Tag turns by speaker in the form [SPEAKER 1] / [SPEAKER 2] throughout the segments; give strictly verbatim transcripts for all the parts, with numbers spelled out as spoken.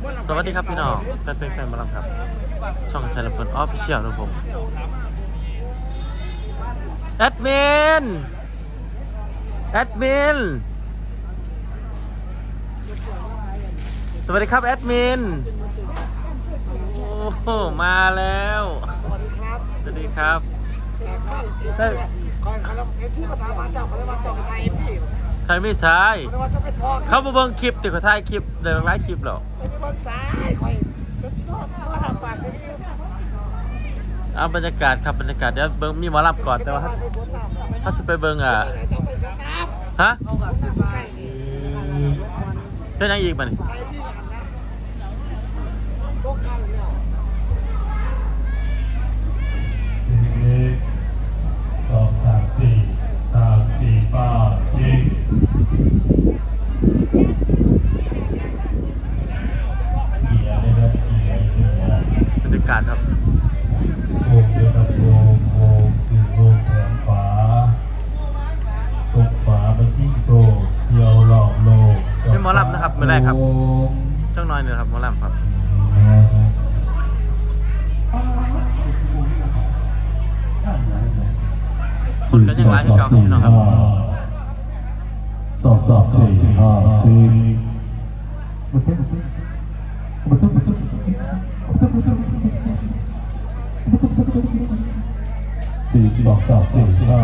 [SPEAKER 1] สวัสดีครับพี่น้องแฟนเพลงแฟนบอลครับช่องชัยลำเพลินออฟฟิเชียลนะผมแอดมินแอดมินสวัสดีครับแอดมินโอ้โหมาแล้ว
[SPEAKER 2] สวัสดีครับ
[SPEAKER 1] สวัสดีครับ
[SPEAKER 2] ใช่ก่อนเขาเอ็ที่มาถามหาเจ้าเขาเลยว่าเจ้าเป็นนายเอ็มพี่
[SPEAKER 1] ใครไม่ใช่
[SPEAKER 2] เขาว่าเจ้าเป็นพ่อ
[SPEAKER 1] เขามาเบิ่งคลิปติดกับถ่ายคลิปเดี๋ยวไลฟ์คลิปหรอ
[SPEAKER 2] เป็นเบิ่งสายคอยจะทอดว่าทำปากเสียง
[SPEAKER 1] เอาบรรยากาศครับบรรยากาศเดี๋ยวเบิ่งมีหมอลำก่อนแต่ว่าถ้าสิไปเบิ่งอ่ะฮะเป็นยังอีกมั้ย
[SPEAKER 3] สองสามสี่สามสี่ป้าจริงเกียร์เลยนะเกียร์เกียร์
[SPEAKER 1] บรรยากาศครับ
[SPEAKER 3] โงเลยครับโงโงสี่โงแขนฝาส่งฝาไปทิ้งโจเดียวหลอกโลก
[SPEAKER 1] เป็นหมอลำนะครับไม่ได้ครับเจ้าน้อยเนี่ยครับหมอลำครับ
[SPEAKER 3] สี่สองสองสี่ห้าสองสองสี่ห้าจริงสี่สองสองสี่ห้า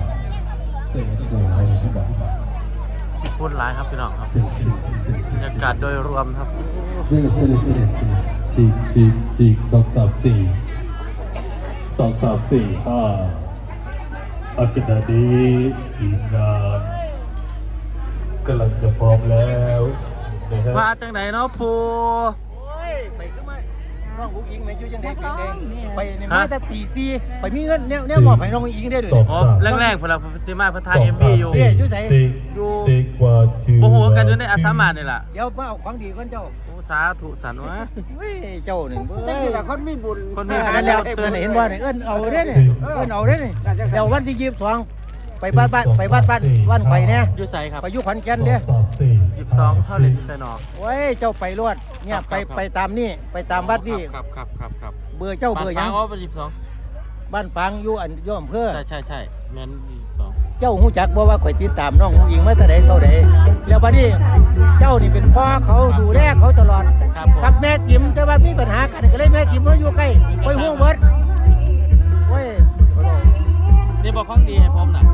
[SPEAKER 1] พูดร้ายครับพี่น้องครับบรรยากาศโดยรวมครับ
[SPEAKER 3] สี่สี่สี่สี่จีจีจีสองสามสี่สองสามสี่ห้าอาจารย์ดีทีมงานกำลังจะพร้อมแล้วนะฮะ
[SPEAKER 1] มาจังไหนเนาะปู
[SPEAKER 2] ไปขึ้นมาน้องอุ้งอิงแม่อยู่ยังเด็กเด็กไปในมาแต่ตีซีไปมีเงินเนี่ยเนี่ยบอกให้น้องอุ้งอิงได้เลย
[SPEAKER 1] อ๋อแรกๆพวกเราพัฒนาพัฒนาเอ็มบีอยู่
[SPEAKER 2] อยู่ไหน
[SPEAKER 1] อยู่
[SPEAKER 3] โ
[SPEAKER 1] อ้โหกันอยู่ในอาสามาเนี่ยแหละ
[SPEAKER 2] เดี๋ยวมาเอาของดีก่อนเจ้า
[SPEAKER 1] โอ้สาธุสันวะ
[SPEAKER 2] เฮ้ยเจ้านี่เฮ้ยแต่คนมีบุญ
[SPEAKER 1] คนมี
[SPEAKER 2] บุญแล้วเตือนเห็นว่าเนี่ยเอิ้นเอาได้เนี่ยเอิ้นเอาได้เนี่ยเดี๋ยววันที่ยี่สิบสองไปบ้านบ้านไปบ้านบ้านบ้านไข่เนี่ย
[SPEAKER 1] อยู่ใส่ครับ
[SPEAKER 2] ไปยุขอนแก่นเนี่ย
[SPEAKER 1] ยี่สิบสองเท่าเลยที่ใส่หนอ
[SPEAKER 2] โอ้ยเจ้าไปรวดเนี่ยไปไปตามนี่ไปตามวัดนี่
[SPEAKER 1] ครับครับครับครับ
[SPEAKER 2] เบอร์เจ้าเบอร์ยัง
[SPEAKER 1] อ๋อเป็นยี่สิบสอง
[SPEAKER 2] บ้านฟังอยู่อันย่อมเพื่อ
[SPEAKER 1] ใช่ใช่ใช่แมนยี่สิบสอง
[SPEAKER 2] เจ้าหูจักบอกว่าข่อยติดตามน้องผู้หญิงมาแต่ใดเท่าใดแล้วบัดนี้เจ้านี่เป็นพ่อเขาดูแลเขาตลอดกับแม่จิ๋มแต่ว่ามีปัญหากันก็เลยแม่จิ๋มเขาอยู่ใกล้ไปห่วงเบิดโอ้ย
[SPEAKER 1] นี่บอกของดีให้ผมน่ะ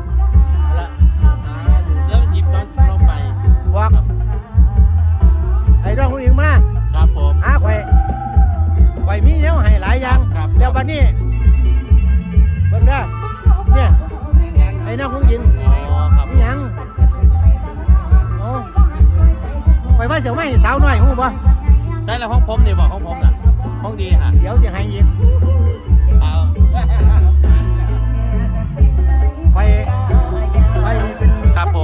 [SPEAKER 1] เดี๋ยวหยิบซ้อนลงไป
[SPEAKER 2] วักไอ้น้องผู้หญิงมา
[SPEAKER 1] ครับผม
[SPEAKER 2] หาข่อยข่อยมีแนวให้หลายอย่างแล้วบัดนี้เบิ่งเด้อเนี่ยไอ้น้องผู้หญิง
[SPEAKER 1] อ๋อครับ
[SPEAKER 2] ยังโอ้ไปว่าเสียวไม่สาวน้อยหูบ่
[SPEAKER 1] ใช่แล้วห้องผมนี่บอกห้องผมน่ะห้องดีฮะ
[SPEAKER 2] เดี๋ยวจะให้ยิง
[SPEAKER 1] เอา
[SPEAKER 2] ไปไปเป็น
[SPEAKER 1] ครับผม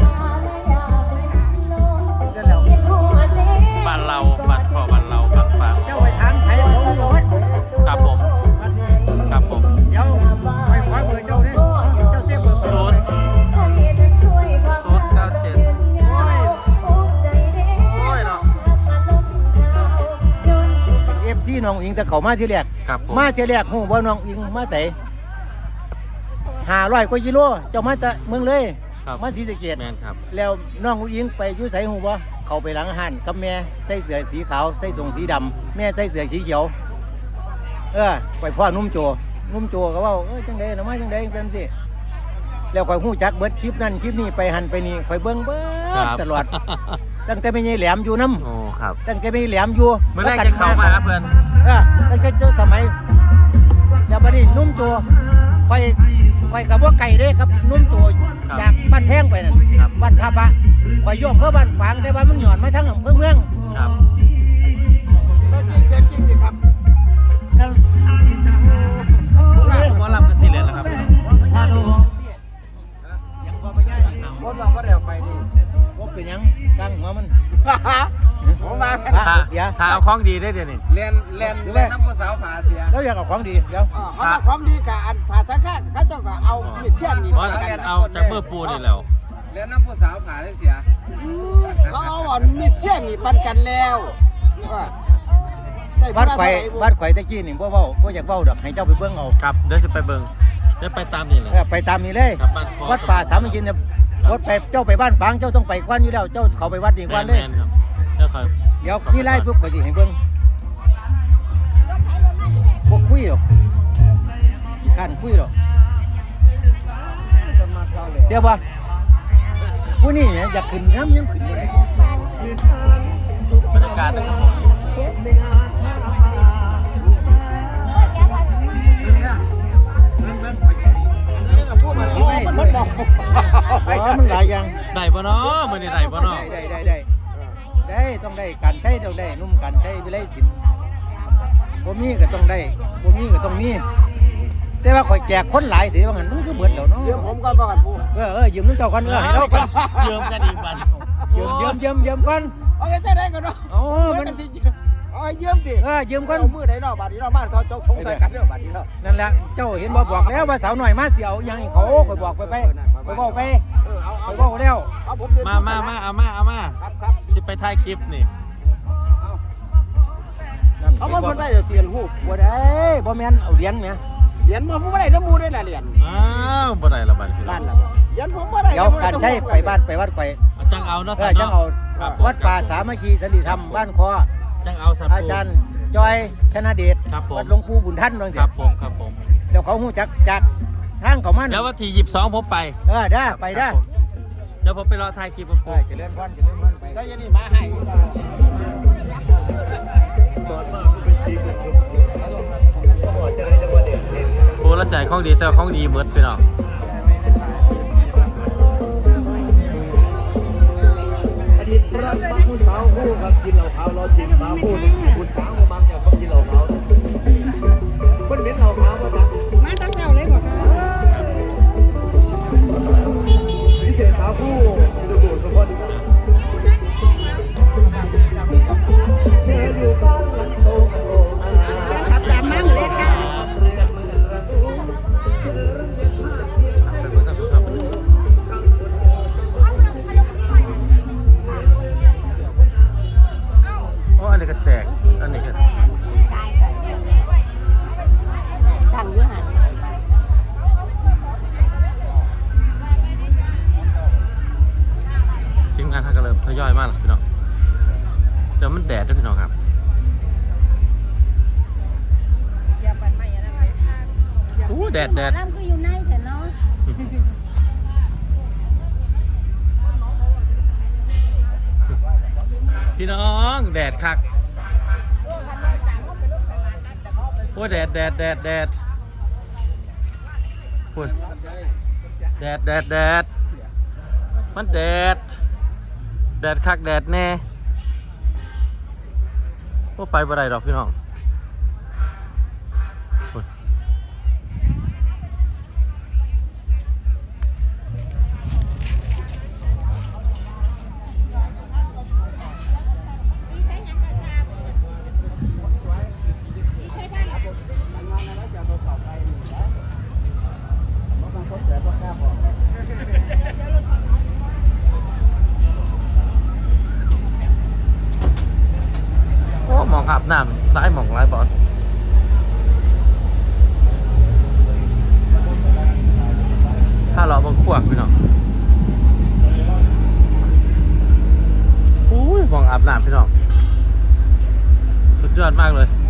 [SPEAKER 1] บ้านเราบ้านพ่อบ้านเราบ้านฟาง
[SPEAKER 2] เจ้าไปทางไทยเขาหมด
[SPEAKER 1] ครับผมครับผม
[SPEAKER 2] เดี๋ยวไปขวาเบอร์เจ้าเนี่ยเจ้าเสียเบอร์
[SPEAKER 1] ศูนย์ศูนย์เก้าเจ็ดโอ้ยโอ้ยเนาะ
[SPEAKER 2] เอฟซีน้องอิงแต่เขามาที่แรกมาที่แรกหูว่าน้องอิงมาใส่ห้าร้อยกว่ากิโลเจ้ามาแต่เมืองเลยมาศรีสะเกษแล้วน้องอิงไปยุ่ใส่หูว่าเขาไปหลังหันกับแม่ใส่เสื้อสีขาวใส่ทรงสีดำแม่ใส่เสื้อสีเขียวเออไปพ่อนุ่มโจนุ่มโจก็ว่าเออจังได๋หน่อไม้จังได๋จังซี่แล้วข่อยฮู้จักเบิดคลิปนั้นคลิปนี้ไปหันไปนี่ข่อยเบิ่งเบิดตลอดตั้งแต่ไม่ใช่แหลมอยู่นำ
[SPEAKER 1] โอ้ครับ
[SPEAKER 2] ตั้งแต่ไม่แหลมอยู่
[SPEAKER 1] เมื่อแรกจะเข้ามาเพิ่น
[SPEAKER 2] เออตั้งแต่เจ้าสมัยแล้วบัดนี้นุ่มโจไปไปกับว่าไก่เด้ครับนุ่มโจจากบ้านแพงไปนั่นบ้านทับอะไปย่อมเพื่อบ้านฝางแต่บ้านมันหย่อนมาทั้งอำเภอเมือง
[SPEAKER 1] ครับ
[SPEAKER 2] ก็จริงเสียจริงสิครับนั่น
[SPEAKER 1] ผมว่ารับกันสิเลยนะครับ
[SPEAKER 2] ถ้าดูยังพอไปย่ายคนเราก็เดี๋ยวไปดิว่าเป็นยังตั้งหัวมันผมมา
[SPEAKER 1] ถ้าเอาของดีได้เดี๋ยวนี้
[SPEAKER 4] เรียนเรียนเรียนน้ำมือสาวผ่าเสีย
[SPEAKER 2] แล้วอยากเอาของดีเดี๋ยว
[SPEAKER 4] เขาเอาของดีกับอันผ่าสังฆะเขาเจ้าก็เอาเชี่ยนนี่
[SPEAKER 1] เอาจากเมื่อปูนี่แล้ว
[SPEAKER 4] เรียนน้ำมือสาวผ่าได้เสีย
[SPEAKER 2] เขาเอาอ่อนมีเชี่ยนนี่ปันกันแล้ววัดไข่วัดไข่ตะกี้นี่บ่เว้าบ่อยากเว้าดอกให้เจ้าไปเบิ่งเอา
[SPEAKER 1] ครับเดี๋ยวสิไปเบิ่งเดี๋ยวไปตามนี่เลย
[SPEAKER 2] เออไปตามนี้เลย
[SPEAKER 1] ครับบ้านคอ
[SPEAKER 2] วัดป่าสามัคคีเนี่ยวัดไปเจ้าไปบ้านฝางเจ้าต้องไปกวนอยู่แล้วเจ้าเข้าไปวัดนี่กวนเลย
[SPEAKER 1] แม่นๆครับเดี๋ยวคอย
[SPEAKER 2] เดี๋ยวนี่ไล่ปุ๊บก็สิให้เบิ่งบ่คุยหรอกการคุยหรอกเดี๋ยวบ่ผู้นี่เนี่ยอยากขึ้นน้ำยังขึ้นบ่ได้
[SPEAKER 1] บรรยากาศนะครับ
[SPEAKER 4] มันหมดดอก
[SPEAKER 2] อ๋อมันหลายอย่าง
[SPEAKER 1] ได้บ่เนาะมื้อนี้ได้บ่เนาะ
[SPEAKER 2] ได้ได้ได้ได้ได้ต้องได้การใช้ต้องได้นุ่มการใช้วิไลศิลป์บ่มีก็ต้องได้บ่มีก็ต้องมีแต่ว่าข่อยแจกคนหลายสิว่างั้นมันก็เบิดแล้วเนาะ
[SPEAKER 4] เดี๋ยวผมก่อนบ่กันผู้
[SPEAKER 2] เออเออยืมน้ำเจ้าก่อนเออให้เราก่อน
[SPEAKER 1] เยืมกันอีกบัด
[SPEAKER 2] ยืมยืมยืมยืมก่อน
[SPEAKER 4] เอาแค่ได้ก่อนเนาะ
[SPEAKER 2] อ๋อ
[SPEAKER 4] มั
[SPEAKER 2] มัน น
[SPEAKER 4] สิเอาให้ยืมสิ
[SPEAKER 2] เออยืมก่อน
[SPEAKER 4] เอามือไหนเนาะบาดนี้เนาะบ้านเขาเจ้าสงสัยกันเด้อบาดนี้เนาะ
[SPEAKER 2] นั่นแหละเจ้าเห็นบ่บอกแล้วว่าสาวหน่อยมาเสียวยังให้เขาข่อยบอกไปไปไปบอกไป
[SPEAKER 4] เออเอา
[SPEAKER 2] ข่
[SPEAKER 4] เอา
[SPEAKER 2] อยบอกแล้ว
[SPEAKER 4] เอาผม
[SPEAKER 1] มามามาเอามาเอามา
[SPEAKER 4] ครับครับ
[SPEAKER 1] สิไปถ่ายคลิปนี่
[SPEAKER 2] นั่น
[SPEAKER 4] เอาบ่เพิ่นได้เดี๋ยวเตียนฮู้
[SPEAKER 2] บ่ได้บ่แม่นเอาเหรียญแหม
[SPEAKER 4] เหรียญบ่ผมบ่ได้น้ำมูได้ล่ะเหรียญ
[SPEAKER 1] อ้าวบ่ได้ละบัดนี้
[SPEAKER 4] นั่นล่ะเหรียญผมบ่ได้
[SPEAKER 2] เดี๋ยวการใช้ไปบ้านไปวัดข่อย
[SPEAKER 1] เอาจังเอาเนาะ
[SPEAKER 2] เอ
[SPEAKER 1] สั
[SPEAKER 2] อน จัง
[SPEAKER 1] เนาะ
[SPEAKER 2] เอา
[SPEAKER 1] ครับ
[SPEAKER 2] วัดป่าสามัคคีสันติธรรมบ้านคอ
[SPEAKER 1] จังเอาสัน
[SPEAKER 2] อาจารย์จอยชนะเดช
[SPEAKER 1] ครับผม
[SPEAKER 2] วัดหลวงปู่บุญท่านว่า
[SPEAKER 1] ค
[SPEAKER 2] จั
[SPEAKER 1] รั
[SPEAKER 2] ง
[SPEAKER 1] บผมครับผม
[SPEAKER 2] เดี๋ยวเขาฮู้จักจากทางเขามัน
[SPEAKER 1] เดี๋ยววันที่ยี่สิบสองผมไป
[SPEAKER 2] เออได้ไปได้
[SPEAKER 1] ครับผมเดี๋ยวผมไปรอถ่ายคลิปผม
[SPEAKER 2] เออเจะเล่นพรเจะเล่นพรไป
[SPEAKER 4] ได้ยันนี่มาให้
[SPEAKER 1] โอ้ละแสนของดีแต่ว่าของดีหมดพี่น้อง
[SPEAKER 3] อดีตรักมักผู้สาวผู้ครับกินเหล้าขาวรอจีบสาวผู้หนึ่งผู้สาวมักอยากมากินเหล้าขาวคนเป็นเหล้าขาวมาจัง
[SPEAKER 5] มาตั้งเจ้าเลยบอกค่ะ
[SPEAKER 3] พิเศษสาวผู้สุขุสุขนเธออยู่บ้านหลังโตโตมา
[SPEAKER 5] ขับตามมั่งเลยค่ะ
[SPEAKER 1] ไปเบิ่งทางครับโอ้อันนี้ก็แจกอันนี้ก็
[SPEAKER 5] สั่งเยอะหัน
[SPEAKER 1] ทีมงานทางก็เริ่มทยอยมากแล้วพี่น้องเดี๋ยวมันแดดด้วยพี่น้องครับ
[SPEAKER 5] อย่าปั่นไม่อย่าอะไร
[SPEAKER 1] อู้แดดแดด
[SPEAKER 5] น้ำคืออยู่ในแต่เนาะ
[SPEAKER 1] พี่น้องแดดคักโอ้แดดแดดแดดแดดพูดแดดแดดแดดมันแดดแดดคักแดดแน่ว่าไปบ่ได้ดอกพี่น้องพูดโอ้หมองอาบน้ำร้ายหมองร้ายบอลถ้าเราบังขวากพี่น้องอุ้ยหมองอาบน้ำพี่น้องสุดยอดมากเลย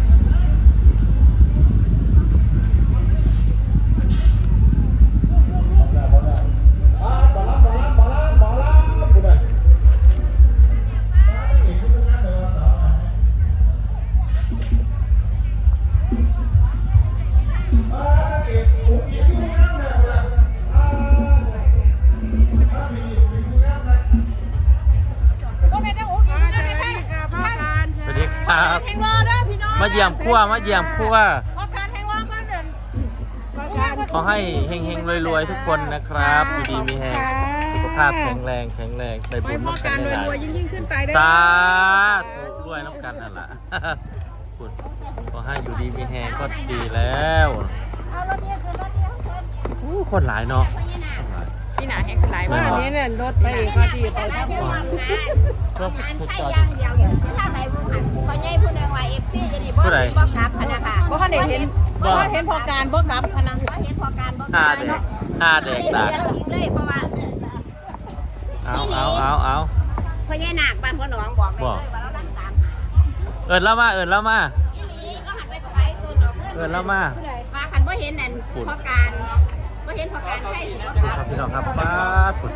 [SPEAKER 1] สวัสดีครับ
[SPEAKER 5] แข่งรอเด้อพี่น้อง
[SPEAKER 1] มาเยี่ยมครัวมาเยี่ยมครัว
[SPEAKER 5] ขอการแข่งรอก่อนเดิน
[SPEAKER 1] ขอให้เฮงๆรวยๆทุกคนนะครับ อยู่ดีมีแฮงสุขภาพแข็งแรงแข็งแรงได้บุญน้ำกันได้หลาย
[SPEAKER 5] ยิ่งยิ่งขึ้นไปเด้อ
[SPEAKER 1] สาธุด้วยน้ำกันนั่นแหละ คุณขอให้อยู่ดีมีแฮงก็ดีแล้ว
[SPEAKER 5] เอารถเดียวคือรถเดียวคือ
[SPEAKER 1] อู้คนหลายเนาะคนหลาย
[SPEAKER 5] พี่หนาแข่งหลายมากนี้เนี่ยรถไปพอดีไปทั้งหมด
[SPEAKER 1] ก็
[SPEAKER 6] งาน
[SPEAKER 1] พูด
[SPEAKER 6] ใช้
[SPEAKER 1] ต่อ
[SPEAKER 6] อย่างเดียวที่ทางไหนบุหันเขาใหญ่ผู้หนึ่งว่าเอฟซีจะ
[SPEAKER 1] ใด
[SPEAKER 5] บ่กลับพนักงานบ่ได้เห็นบ่เห็นพอการบ่กลับพนักบ่เห็นพอการบ่
[SPEAKER 1] ห้าเด็กห้าเด็กตาก
[SPEAKER 5] เลยเพราะว่า
[SPEAKER 1] เอาเอาเอาเอา
[SPEAKER 5] พ่อใหญ่นาคบ้านพ่อหนองบอกเลยว่าเราดังตาม
[SPEAKER 1] เอิญแล้วมาเอิญแล้วมา
[SPEAKER 5] อีหลีก็หันไปถวายต้นดอกเงิน
[SPEAKER 1] เอิญแล้วมา
[SPEAKER 5] ฟ้าคันบ่เห็นนั่นพอการบ่เห็นพอการใช่สิบ่กลับ
[SPEAKER 1] ครับพี่น้องครับป้าดฝุ่น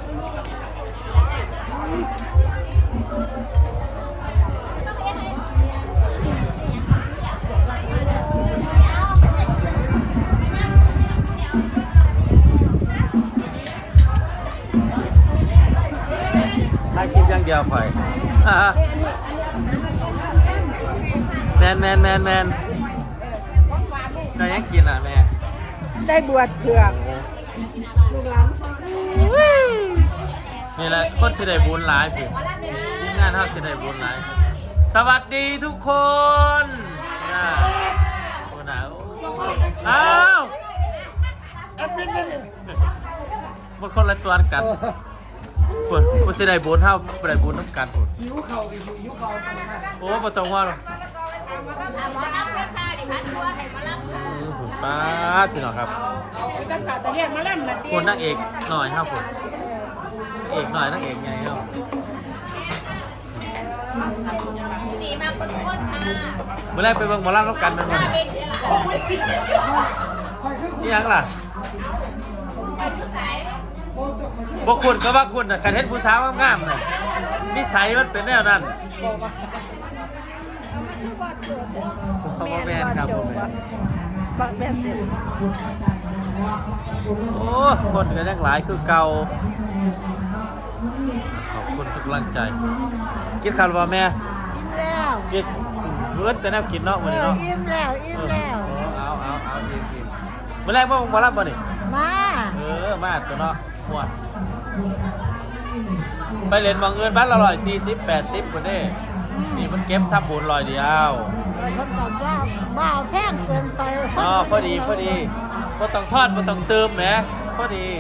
[SPEAKER 1] ถ่ายคลิปอย่างเดียวข่อย แมนแมนแมนแมนจะยังกินอ่ะแม่
[SPEAKER 5] ได้บวชเผือกลูกหลาน
[SPEAKER 1] นี่แหละคนสิได้บุญหลายพี่ทีมงานเฮาสิได้บุญหลายสวัสดีทุกคนนะโอ้หนาวอ้าวมันคนละชวนกันคนคนสิได้บุญเฮาบ่ได้บุญนํกันพุ่นหิวข้าวหิวข้าวโอ้บ่ต้องว่าหรอกอือพุ่นป้าดพี่น้องครับ
[SPEAKER 5] ตั้งแต่ตะเรียกมาล่ำน่ะติ
[SPEAKER 1] คนนางเอกหน่อยครับผมเอกหน่อยนางเอกไงครับ
[SPEAKER 5] ดีมากทุกคนค่ะ
[SPEAKER 1] เมื่อแรกไปเบิ่งหมอลำรับกันเป็นวันนี้นี่ยังล่ะพวกคุณก็ว่าคุณน่ะการเห็นผู้สาวงามๆน่ะนิสัยมันเป็นแนวนั้นพ่อแม่ครับพ่อแม่
[SPEAKER 5] บักแม่นเต็ม
[SPEAKER 1] โอ้คนก็ยังหลายคือเก่าขอบคุณทุกกำลังใจกินข้าวหรือเปล่าแม่
[SPEAKER 5] แล้ว
[SPEAKER 1] กินเลือดแต่แนวกินเนาะวันนี้เนาะ
[SPEAKER 5] อิ่มแล้วอิ่มแล้ว
[SPEAKER 1] เอาเอาเอาอิ่มอิ่มเมื่อแรกว่าหมอลำบ่นี่
[SPEAKER 5] มา
[SPEAKER 1] เออมาตัวเนาะม่วนไปเล่นมองเงินบ้านละร้อยสี่สิบแปดสิบคนเด้นี่มันเก็บทับบุญลอยเดียว
[SPEAKER 5] คนตอบว่าบ้าแพงเกินไป
[SPEAKER 1] อ๋อพอดีพอดีพอต้องทอดพอต้องเติมแหมพอดี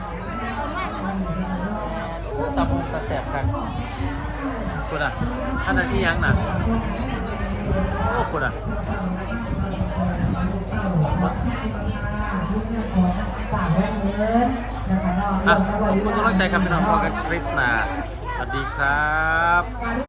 [SPEAKER 1] โอ้ตาพงตาแสบครับคุณอ่ะอันนั้นที่ยังน่ะโอ้คุณอ่ะอ่ะขอบคุณกำลังใจครับพี่น้องพอกันคลิปหน้าสวัสดีครับ